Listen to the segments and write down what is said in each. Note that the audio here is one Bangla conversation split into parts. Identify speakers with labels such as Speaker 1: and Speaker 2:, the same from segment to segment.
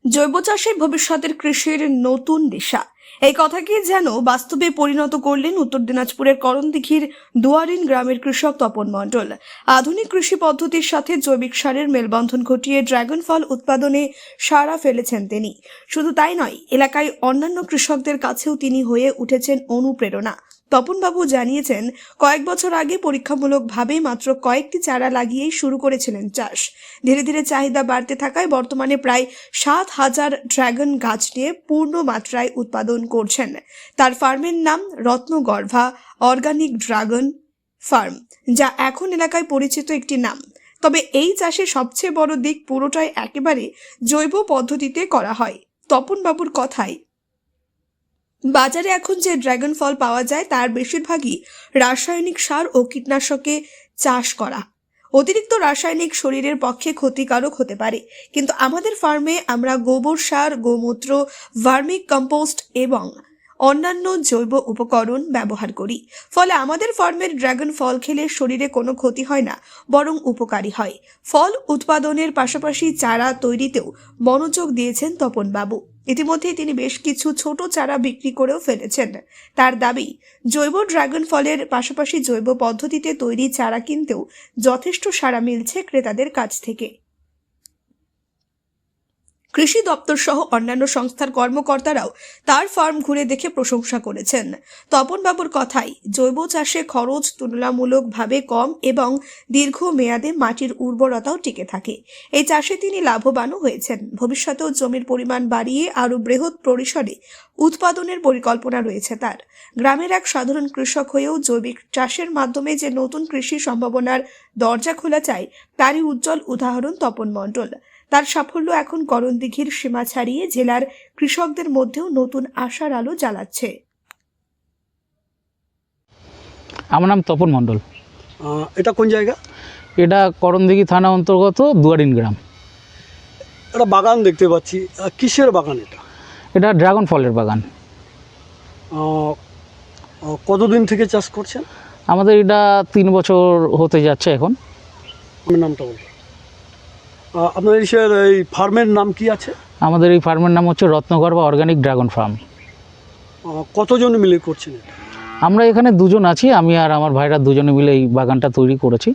Speaker 1: জৈব চাষে ভবিষ্যতের কৃষির নতুন দিশা, এই কথাকে যেন বাস্তবে পরিণত করলেন উত্তর দিনাজপুরের করণদিঘির দুয়ারিন গ্রামের কৃষক তপন মণ্ডল। আধুনিক কৃষি পদ্ধতির সাথে জৈবিক সারের মেলবন্ধন ঘটিয়ে ড্রাগন ফল উৎপাদনে সাড়া ফেলেছেন তিনি। শুধু তাই নয়, এলাকায় অন্যান্য কৃষকদের কাছেও তিনি হয়ে উঠেছেন অনুপ্রেরণা। তপনবাবু জানিয়েছেন, কয়েক বছর আগে পরীক্ষামূলকভাবে মাত্র কয়েকটি চারা লাগিয়েই শুরু করেছিলেন চাষ। ধীরে ধীরে চাহিদা বাড়তে থাকায় বর্তমানে প্রায় 7,000 ড্রাগন গাছ নিয়ে পূর্ণ মাত্রায় উৎপাদন করছেন। তার ফার্মের নাম রত্নগর্ভা অর্গানিক ড্রাগন ফার্ম, যা এখন এলাকায় পরিচিত একটি নাম। তবে এই চাষে সবচেয়ে বড় দিক, পুরোটাই একেবারে জৈব পদ্ধতিতে করা হয়। তপনবাবুর কথায়, বাজারে এখন যে ড্রাগন ফল পাওয়া যায় তার বেশিরভাগই রাসায়নিক সার ও কীটনাশকে চাষ করা। অতিরিক্ত রাসায়নিক শরীরের পক্ষে ক্ষতিকারক হতে পারে, কিন্তু আমাদের ফার্মে আমরা গোবর সার, গোমূত্র, ভার্মিক কম্পোস্ট এবং অন্যান্য জৈব উপকরণ ব্যবহার করি। ফলে আমাদের ফার্মের ড্রাগন ফল খেলে শরীরে কোনো ক্ষতি হয় না, বরং উপকারী হয়। ফল উৎপাদনের পাশাপাশি চারা তৈরিতেও মনোযোগ দিয়েছেন তপনবাবু। ইতিমধ্যে তিনি বেশ কিছু ছোট চারা বিক্রি করেও ফেলেছেন। তার দাবি, জৈব ড্রাগন ফলের পাশাপাশি জৈব পদ্ধতিতে তৈরি চারা কিনতেও যথেষ্ট সাড়া মিলছে ক্রেতাদের কাছ থেকে। কৃষি দপ্তর সহ অন্যান্য সংস্থার কর্মকর্তারাও তার ফার্ম ঘুরে দেখে প্রশংসা করেছেন। তপনবাবুর কথাই, জৈব চাষে খরচ তুলনামূলকভাবে কম এবং দীর্ঘ মেয়াদে মাটির উর্বরতাও টিকে থাকে। এই চাষে তিনি লাভবানও হয়েছেন। ভবিষ্যতেও জমির পরিমাণ বাড়িয়ে আরও বৃহৎ পরিসরে উৎপাদনের পরিকল্পনা রয়েছে তার। গ্রামের এক সাধারণ কৃষক হয়েও জৈবিক চাষের মাধ্যমে যে নতুন কৃষি সম্ভাবনার দরজা খোলা চায়, তারই উজ্জ্বল উদাহরণ তপন মণ্ডল। তার সাফল্য এখন করণদিঘির সীমা ছাড়িয়ে জেলার কৃষকদের মধ্যেও নতুন আশার আলো জ্বালাচ্ছে।
Speaker 2: আমার নাম তপন মণ্ডল।
Speaker 3: এটা কোন জায়গা?
Speaker 2: এটা করণদিঘি থানা অন্তর্গত দুয়ারিন গ্রাম।
Speaker 3: একটা বাগান দেখতে পাচ্ছি, কিসের বাগান এটা?
Speaker 2: এটা ড্রাগন ফলের বাগান।
Speaker 3: কতদিন থেকে চাষ করছেন?
Speaker 2: আমাদের এটা 3 বছর হতে যাচ্ছে এখন।
Speaker 3: আমার নামটা বলুন। আপনার এই ফার্মের নাম কি আছে?
Speaker 2: আমাদের এই ফার্মের নাম হচ্ছে রত্নগর্ভা অর্গানিক ড্রাগন ফার্ম।
Speaker 3: কতজন মিলে করছেন এটা?
Speaker 2: আমরা এখানে দুজন আছি, আমি আর আমার ভাইরা দুজনে মিলে এই বাগানটা তৈরি করেছি।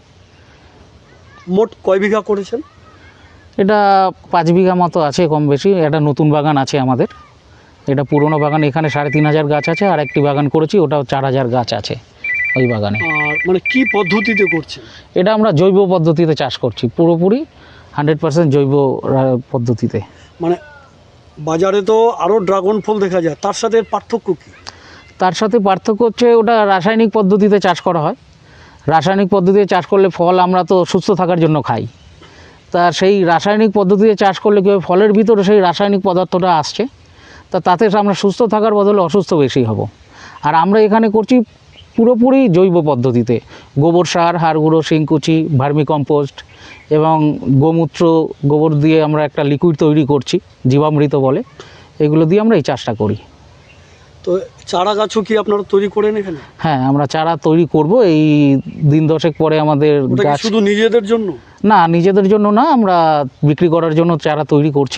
Speaker 3: মোট কয় বিঘা করেছেন?
Speaker 2: এটা 5 বিঘা মতো আছে, কম বেশি। এটা নতুন বাগান আছে আমাদের। এটা পুরনো বাগান, এখানে 3,500 গাছ আছে, আর একটি বাগান করেছি, ওটাও 4,000 গাছ আছে ওই বাগানে।
Speaker 3: আর মানে কি পদ্ধতিতে করছেন?
Speaker 2: এটা আমরা জৈব পদ্ধতিতে চাষ করছি, পুরোপুরি 100% জৈব পদ্ধতিতে।
Speaker 3: মানে বাজারে তো আরও ড্রাগন ফল দেখা যায়, তার সাথে পার্থক্য কী?
Speaker 2: তার সাথে পার্থক্য হচ্ছে ওটা রাসায়নিক পদ্ধতিতে চাষ করা হয়। রাসায়নিক পদ্ধতিতে চাষ করলে ফল আমরা তো সুস্থ থাকার জন্য খাই, তা সেই রাসায়নিক পদ্ধতিতে চাষ করলে কী হয়, ফলের ভিতরে সেই রাসায়নিক পদার্থটা আসছে, তাতে আমরা সুস্থ থাকার বদলে অসুস্থ বেশি হব। আর আমরা এখানে করছি পুরোপুরি জৈব পদ্ধতিতে, গোবর সার, হাড় গুঁড়ো, শিংকুচি, ভার্মি কম্পোস্ট এবং গোমূত্র, গোবর দিয়ে আমরা একটা লিকুইড তৈরি করছি, জীবামৃত বলে। এগুলো দিয়ে আমরা এই চাষটা করি।
Speaker 3: তো চারা গাছও কি আপনারা তৈরি করেন এখানে?
Speaker 2: হ্যাঁ, আমরা চারা তৈরি করব এই দিন 10 পরে। আমাদের গাছ
Speaker 3: শুধু নিজেদের জন্য
Speaker 2: না, নিজেদের জন্য না, আমরা বিক্রি করার জন্য চারা তৈরি করছি।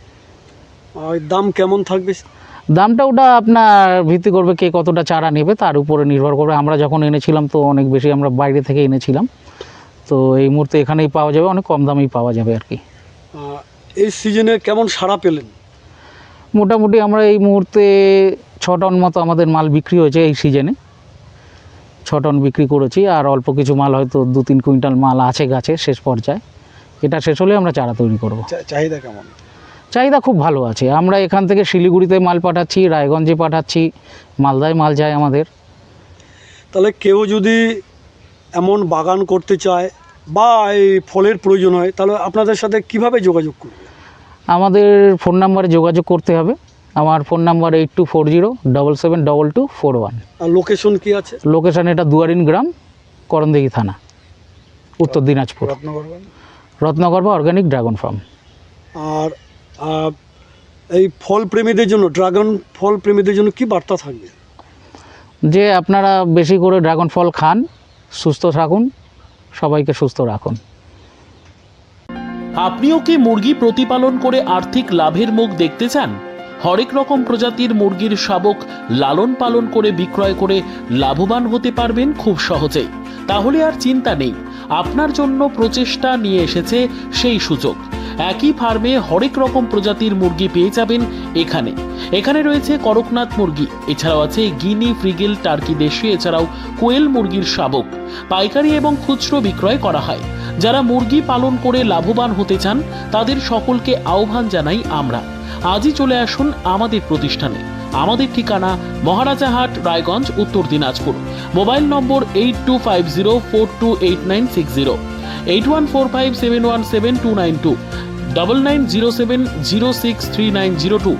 Speaker 3: দাম কেমন থাকবে?
Speaker 2: দামটা ওটা আপনার ভিত্তি করবে কে কতটা চারা নেবে, তার উপরে নির্ভর করবে। আমরা যখন এনেছিলাম তো অনেক বেশি, আমরা বাইরে থেকে এনেছিলাম, তো এই মুহূর্তে এখানেই পাওয়া যাবে, অনেক কম দামেই পাওয়া যাবে আর কি।
Speaker 3: এই সিজনে কেমন সাড়া পেলেন?
Speaker 2: মোটামুটি আমরা এই মুহূর্তে 6 টন মতো আমাদের মাল বিক্রি হয়েছে এই সিজনে। 6 টন বিক্রি করেছি, আর অল্প কিছু মাল হয়তো 2-3 কুইন্টাল মাল আছে গাছে শেষ পর্যায়ে। এটা শেষ হলে আমরা চারা তৈরি করব।
Speaker 3: চাহিদা কেমন?
Speaker 2: চাহিদা খুব ভালো আছে। আমরা এখান থেকে শিলিগুড়িতে মাল পাঠাচ্ছি, রায়গঞ্জে পাঠাচ্ছি, মালদায় মাল যায় আমাদের।
Speaker 3: তাহলে কেউ যদি এমন বাগান করতে চায় বা এই ফলের প্রয়োজন হয়, তাহলে আপনাদের সাথে কিভাবে যোগাযোগ করবে?
Speaker 2: আমাদের ফোন নাম্বারে যোগাযোগ করতে হবে। আমার ফোন নাম্বার 8240772241।
Speaker 3: আর লোকেশন কি আছে?
Speaker 2: লোকেশন এটা দুয়ারিন গ্রাম, করণদিঘি থানা, Uttar Dinajpur. Ratnagarbha organic dragon farm.
Speaker 3: আর এই ফল প্রেমীদের জন্য, ড্রাগন ফল প্রেমীদের জন্য কি বার্তা থাকবে?
Speaker 2: যে আপনারা বেশি করে ড্রাগন ফল খান, সুস্থ থাকুন, সবাইকে সুস্থ রাখুন।
Speaker 4: আপনিও কি মুরগি প্রতিপালন করে আর্থিক লাভের মুখ দেখতে চান? হরেক রকম প্রজাতির মুরগির শাবক লালন পালন করে বিক্রয় করে লাভবান হতে পারবেন খুব সহজেই। তাহলে আর চিন্তা নেই, আপনার জন্য প্রচেষ্টা নিয়ে এসেছে সেই সুযোগ। একই ফার্মে হরেক রকম প্রজাতির মুরগি পেয়ে যাবেন এখানে। এখানে রয়েছে করকনাথ মুরগি, এছাড়াও আছে গিনি, ফ্রিগেল, টার্কি দেশি, এছাড়াও কোয়েল মুরগির শাবক। পাইকারি এবং খুচরো বিক্রয় করা হয়। যারা মুরগি পালন করে লাভবান হতে চান তাদের সকলকে আহ্বান জানাই আমরা। আজই চলে আসুন আমাদের প্রতিষ্ঠানে। আমাদের ঠিকানা মহারাজাহাট, রায়গঞ্জ, উত্তর দিনাজপুর। মোবাইল নম্বর 8250428960, 8145717292, 9907063902।